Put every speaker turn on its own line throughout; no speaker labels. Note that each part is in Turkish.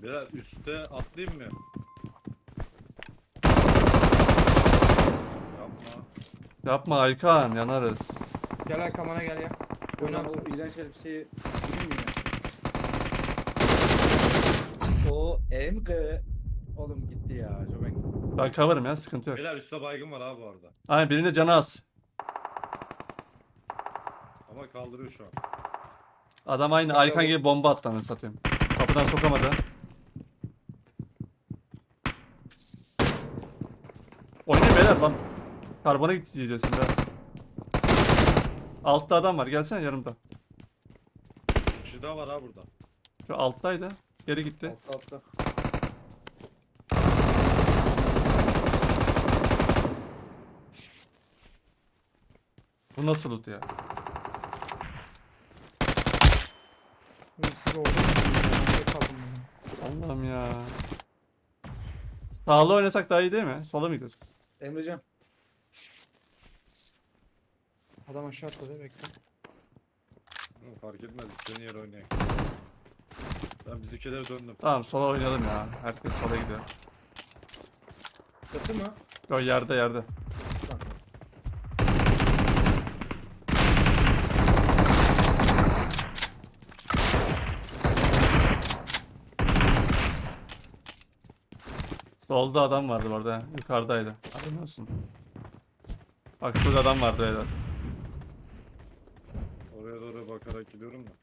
Ya üstte atlayayım mı? Yapma.
Yapma Aykan, yanarız.
Gel Hakan bana gel ya. Oyna
Ulan o
mısın?
iğrenç elbiseyi giyeyim mi ya? O MG. Oğlum gitti ya. Joven gitti.
Ben cover'ım ya, sıkıntı yok.
Beyler üstte baygın var abi bu arada.
Aynen, birinde canı az.
Ama kaldırıyor şu an.
Adam aynı Aykan gibi bomba attı, anasını satayım. Kapıdan sokamadı. Oynayın beyler lan. Karbona gideceğiz şimdi ha. Altta adam var, gelsene yanımda.
Bir kişi daha var ha burada.
Şu alttaydı. Geri gitti.
Altta.
Bu nasıl loot ya?
Siz orada mısınız? Ben de kaldım yani.
Allah'ım ya. Sağlı oynasak daha iyi değil mi? Sola mı gidiyoruz?
Emrecan.
Adam aşağı atladı bekle.
Hı, fark etmez istediğin yere oynayayım. Ben bizimkilere döndüm.
Tamam, sola oynayalım ya. Herkes sola gidiyor.
Çatı mı?
Yo, yerde.
Tamam.
Solda adam vardı bu arada. Yukarıdaydı. Haberin olsun. Bak şurada adam vardı beyler.
Oraya doğru bakarak gidiyorum da.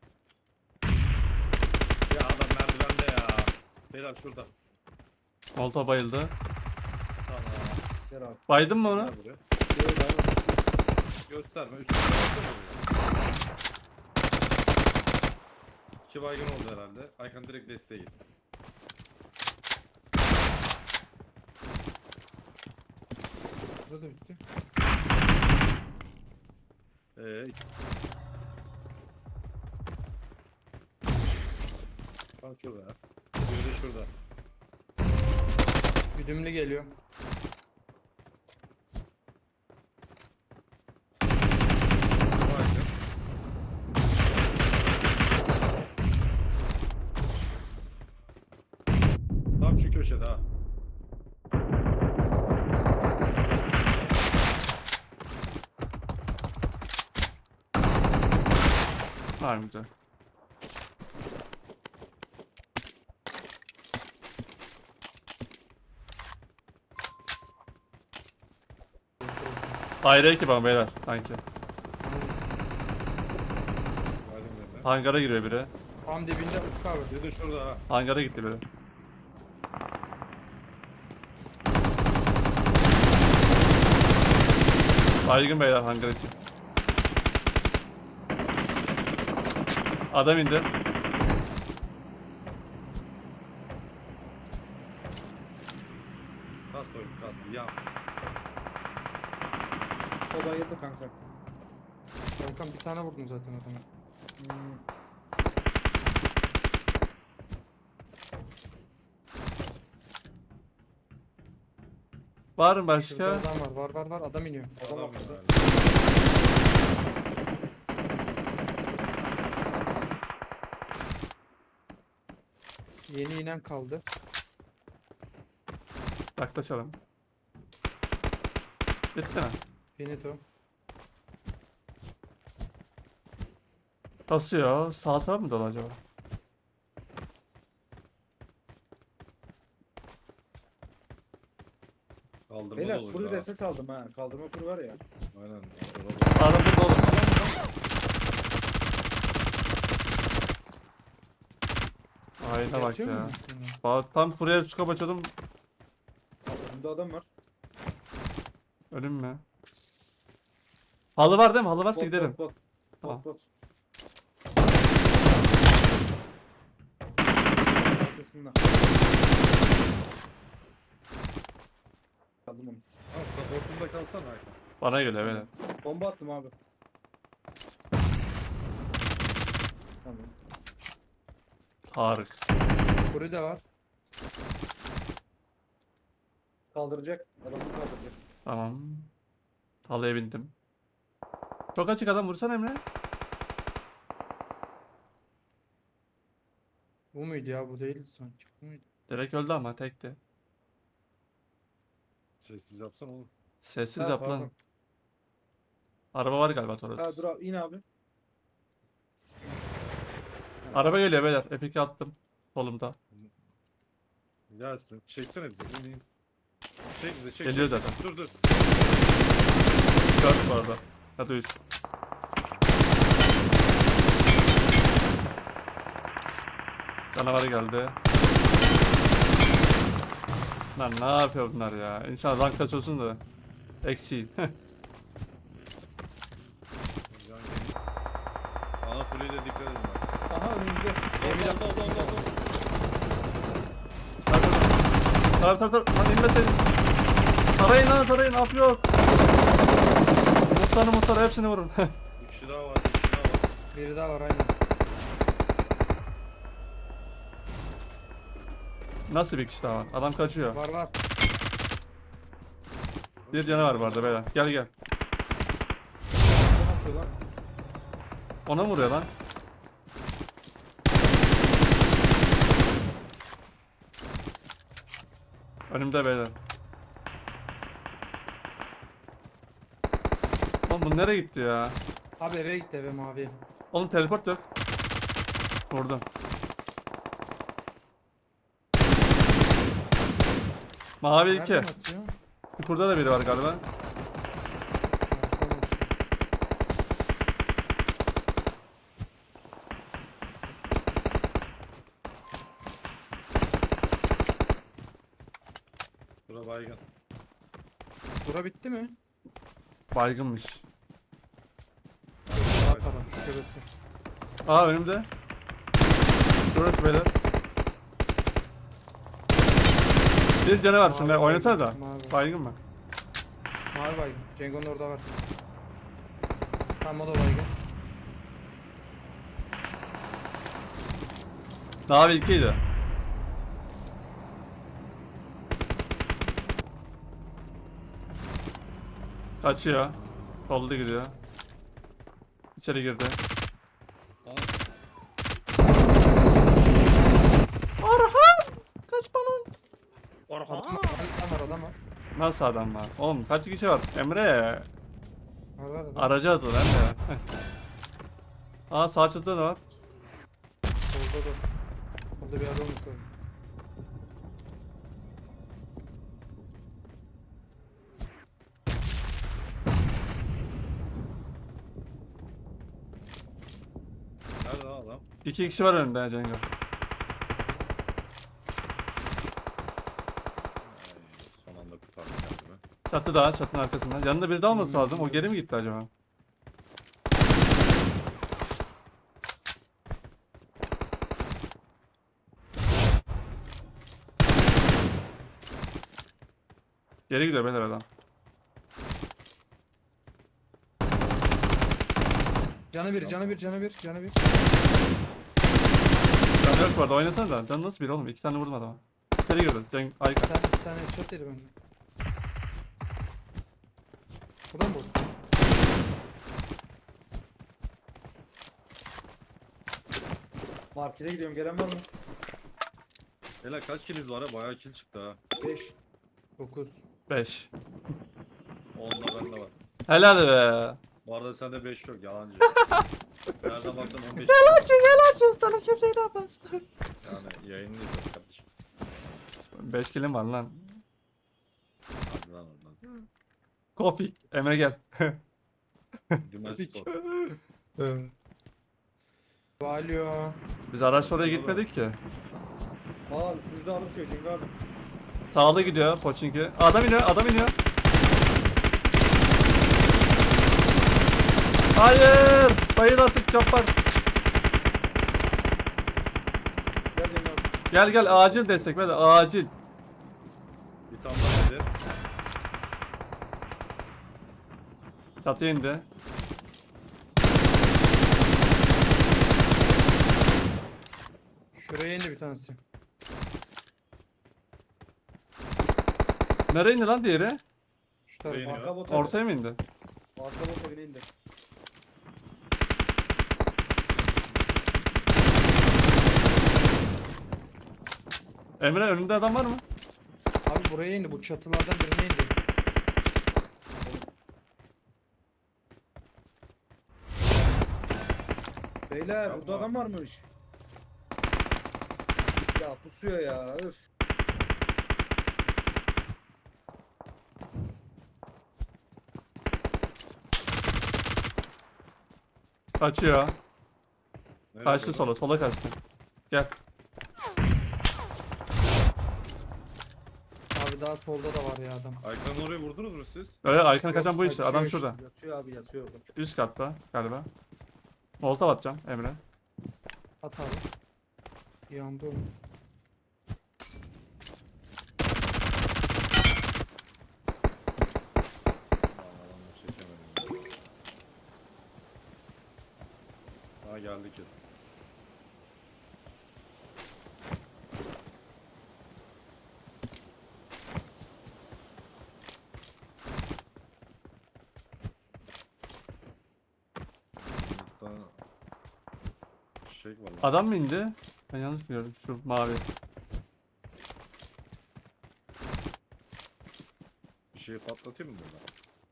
Ya adam merdivende ya. Beyler şurada.
Molotov bayıldı.
Tamam.
Gel abi.
Baydın mı onu?
Gel buraya.
Şöyle ben.
Gösterme. Üstüne baksana buraya. İki baygın oldu herhalde. Aykan direkt desteğe gitti.
Burada da bitti.
Tam şurada ya. Biri de şurada.
Güdümlü geliyor.
Baygın. Tam şu köşede ha.
Tamam, güzel. Ayrı ekip ama beyler sanki.
Baygın dedi.
Hangara giriyor biri.
Tam dibinde Ufuk abi.
Biri de şurada ha.
Hangara gitti biri. Baygın beyler hangar için. Adam indi.
Kas oyun kas. Yan.
O bayıldı kanka.
Hakan bir tane vurdum zaten adama.
Hmm.
Var mı
Şurada
başka?
adam var. Var. Adam iniyor.
Adam
Adam
atladı.
herhalde.
Yeni inen kaldı.
Yaklaşalım. Bitti mi?
Benito.
Basıyor. Sağ taraf mı dolu acaba?
Kaldırma
Beyler
dolu
full
daha.
SS aldım ha. Kaldırma full var ya.
Aynen.
Sağda dolu. Ayna bak
Yatıyor
ya.
mu üstüne?
Bak, tam buraya scope açıyordum.
Bunda adam var.
Ölüm mü? Halı var değil mi? Halı varsa
Bot,
gidelim.
Bot.
Tamam.
Bot. Arkasında. Aldım onu.
Abi supportunda kalsana Aykan.
Bana geliyor beyler.
Bomba attım abi. Tamam.
Tarık.
Kuru da var.
Kaldıracak. Adamı kaldıracak.
Tamam. Halıya bindim. Çok açık adam, vursana Emre.
Bu muydu ya? Bu değildi sanki. Bu muydu?
Direkt öldü ama tekti.
Sessiz yapsana oğlum.
Sessiz
Ha,
yap lan.
pardon.
Araba var galiba Toros.
Ha dur abi in abi.
Araba geliyor beyler. Epic'i attım. Solumda.
Gelsin. Çeksene bize. İn in. Çek bize çek.
Geliyor
çek.
zaten.
Dur dur.
4 bu arada. Ya da 3. Canavarı geldi. Lan ne yapıyor bunlar ya? İnşallah rank açılsın da. Eksi.
Can gel. Ana full'e de dikkat edin bak.
Aha önümüzde.
Oldu.
Tabii. Lan inmeseydin. Tarayın lan tarayın. Af yok. Muhtarı hepsini vurun.
Bir kişi daha var. Bir kişi daha var.
Biri daha var aynen.
Nasıl bir kişi daha var? Adam kaçıyor.
Var.
Bir canı var bu arada beyler. Gel.
Ne yapıyor lan?
Ona mı vuruyor lan? Önümde beyler. Lan bu nereye gitti ya?
Abi eve gitti eve mavi.
Oğlum teleport yok. Vurdum. Mavi 2.
Nereden atıyor?
Burada da biri var galiba.
Ha, tamam.
Bura baygın.
Bura bitti mi?
Baygınmış.
Sağ taraf şu şurası.
Aa önümde. Burası beyler. Bir canı var şimdi.
Mavi
Oynasana da.
baygın, mavi.
Baygın mı?
Mavi baygın. Cengo'nun orada var. Tamam o da baygın.
Mavi 2'ydi. Kaçıyor. Solda gidiyor. İçeri girdi.
Aa,
Orhan! Kaç bana.
Adam var.
Nasıl adam var? Oğlum kaç kişi var? Emre.
Var adam.
Aracı atı lan de. Aa sağ çatıda da var.
Solda da. Solda bir adam var.
nerede lan adam?
2 kişi var önünde Cengo.
Ay, son anda kurtardım kendimi.
Çatı daha çatının arkasında. Yanında biri daha olması lazım. O geri mi gitti acaba? Geri gidiyor beyler adam.
Canı bir.
Canı yok bu arada oynasana da. Canı nasıl bir oğlum? 2 tane vurdum adama. İçeri girdi. Cenk Ayka.
Bir tane shot yedi benden. Buradan mı vurdu?
Markete gidiyorum gelen var mı?
Beyler kaç kiliniz var ha? Bayağı kill çıktı ha.
5.
9.
5.
10'da bende var.
Helal be.
Bu arada sende 5 yok yalancı. Nereden baksan 15.
Yalancı sana kimse inanmaz.
Yani yayını izliyorum kardeşim.
5 kilim var lan.
Hadi lan oradan.
Kopik. Emre gel.
Dümen
Tabii ki.
spor.
Valio.
Biz araçla oraya gitmedik ki.
Aa üstümüzde alım şu Cengo abi.
Sağda gidiyor Poçinki. Adam iniyor. Hayır! Bayıl artık Cabbar.
Gel Cengo abi.
Gel acil destek böyle acil.
Bir tane daha dedi.
Çatıya indi.
Şuraya indi bir tanesi.
Nereye indi lan diğeri?
Şu tarafa.
Beğeniyor.
Arka bot.
Ortaya mı indi?
Arka bot evine indi.
Emre önünde adam var mı?
Abi buraya indi. Bu çatılardan birine indi.
Beyler
Yapma.
burada adam varmış. Ya pusuyor ya. Öf.
Kaçıyor.
Nereye
Kaçtı
doğru?
sola. Sola kaçtı. Gel.
Abi daha solda da var ya adam.
Aykan'ı oraya vurdunuz mu siz?
Öyle Aykan'a kaçan bu
Yok,
işte. Adam
kaçıyor
şurada.
Yatıyor abi yatıyor.
Üst katta galiba. Molotov atacağım Emre.
At abi. Yandı oğlum.
Aman adamı çekemedim. Ha geldi ki. Burada şey var lan.
Adam mı indi? Ben yanlış biliyorum. Şu mavi.
Bir şey patlatayım mı burada?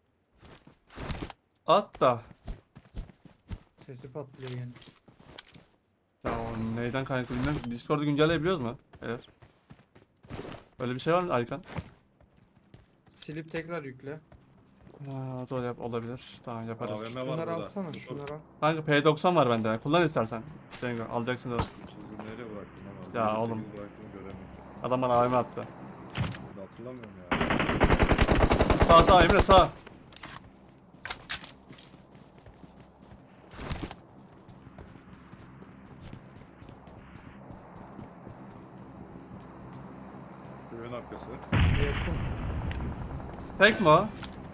At da.
Sesi patlıyor yine.
Ya o neyden kaynaklı bilmiyorum. Discord'u güncelleyebiliyoruz mu? Evet. Öyle bir şey var mı Aykan?
Silip tekrar yükle.
Ha, o da olabilir. Tamam yaparız.
AVM var
Şunları
burada.
alsana
Dur.
şunları al.
Kanka P90 var bende. Kullan istersen. Cengo alacaksın da.
Çizgi nereye bıraktım ama?
Ya
58
oğlum.
Bıraktım göremedim.
Adam bana AVM attı.
Hatırlamıyorum ya.
Sağ sağ Emre sağ.
Köyün arkası.
Yakın.
Tek mi o?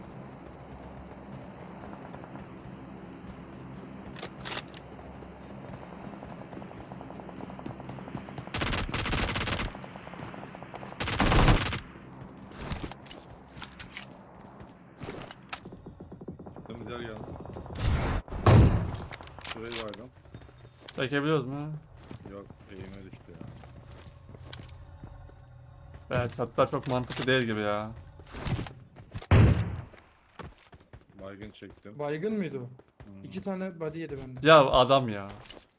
Çıktım diğer geldi. Şurayı vardım.
Çekebiliyoruz mu?
Yok eğime düştü ya.
Evet çatılar çok mantıklı değil gibi ya.
Baygın çektim.
Baygın mıydı o?
Hmm.
2 tane body yedi bende.
Ya adam ya.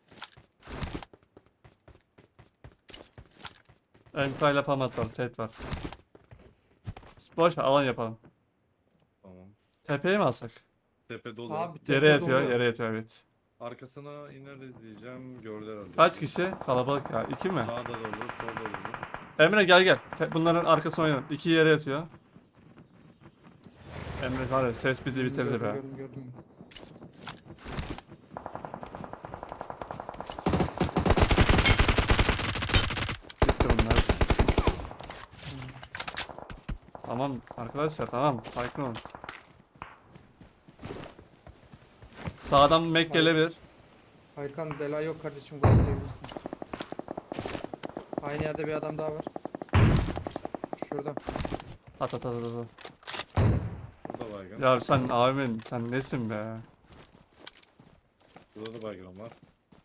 MK ile pamat var, set var. Boş ver, alan yapalım.
Tamam.
Tepeye mi alsak?
Tepe dolu.
Abi
Yere
tepe
yatıyor,
dolu.
yere yatıyor evet.
Arkasına ineriz diyeceğim. Gördü herhalde.
Kaç kişi? Kalabalık ya. 2 mi?
Sağda dolu, solda dolu.
Emre gel gel. Bunların arkasına oynayalım. 2 yere yatıyor. Emre var ya ses bizi bitirdi be.
Gördüm.
Bitti bunlar. Tamam arkadaşlar tamam. Sakin olun. Sağdan Mac gelebilir.
Aykan Dela yok kardeşim gösterebilirsin. Aynı yerde bir adam daha var. Şurada.
At at at at. at.
Burada baygın.
Ya sen abimin sen nesin be?
Burada da baygın var.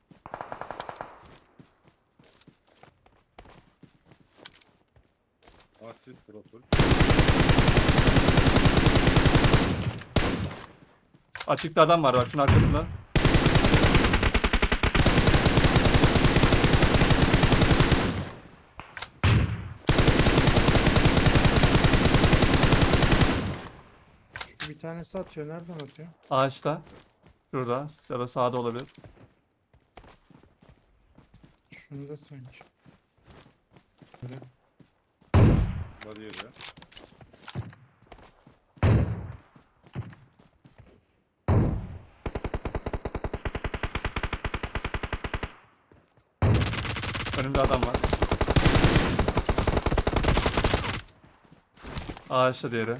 Asist profil.
Açıkta adam var bak şunun arkasında.
Şu bir tanesi atıyor. Nereden atıyor?
Ağaçta. Şurada ya da sağda olabilir.
Şunda sanki. Böyle.
Body yedi.
Önümde adam var. Ağaçta diğeri.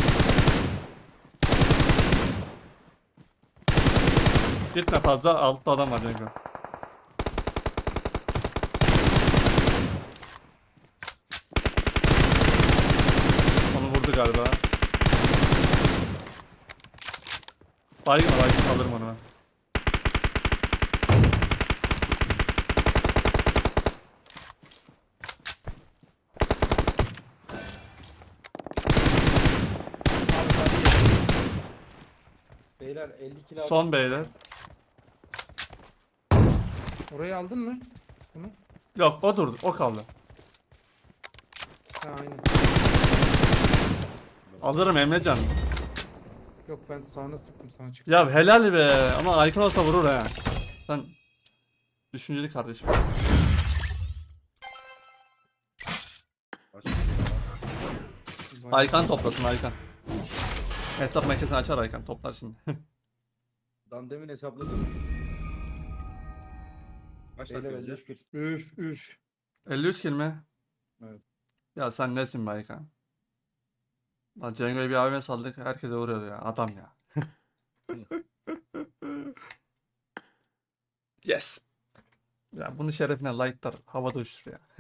Gitme fazla altta adam var Cengo. Onu vurdu galiba. Baygın alırım onu ben.
beyler 50 kilo aldım.
Son beyler.
Orayı aldın mı? Bunu?
Yok o durdu. O kaldı.
Ha aynen.
Alırım Emrecan.
Yok ben sağına sıktım sana çıksın.
Ya helal be. Ama Aykın olsa vurur ha. Sen düşünceli kardeşim.
Açık ya.
Vay.
Aykan toplasın Aykan. Hesap makinesini açar Aykan. Toplar şimdi.
Dan demin hesapladım.
Kaç dakika
Beyler
önce?
53 kilo.
Üf üf.
53 kill mi?
Evet.
Ya sen nesin be Aykan? Lan Cengo'yu bir AVM saldık. Herkese vuruyordu ya. Adam ya. Yes. Ya bunun şerefine like'lar havada uçuşur ya.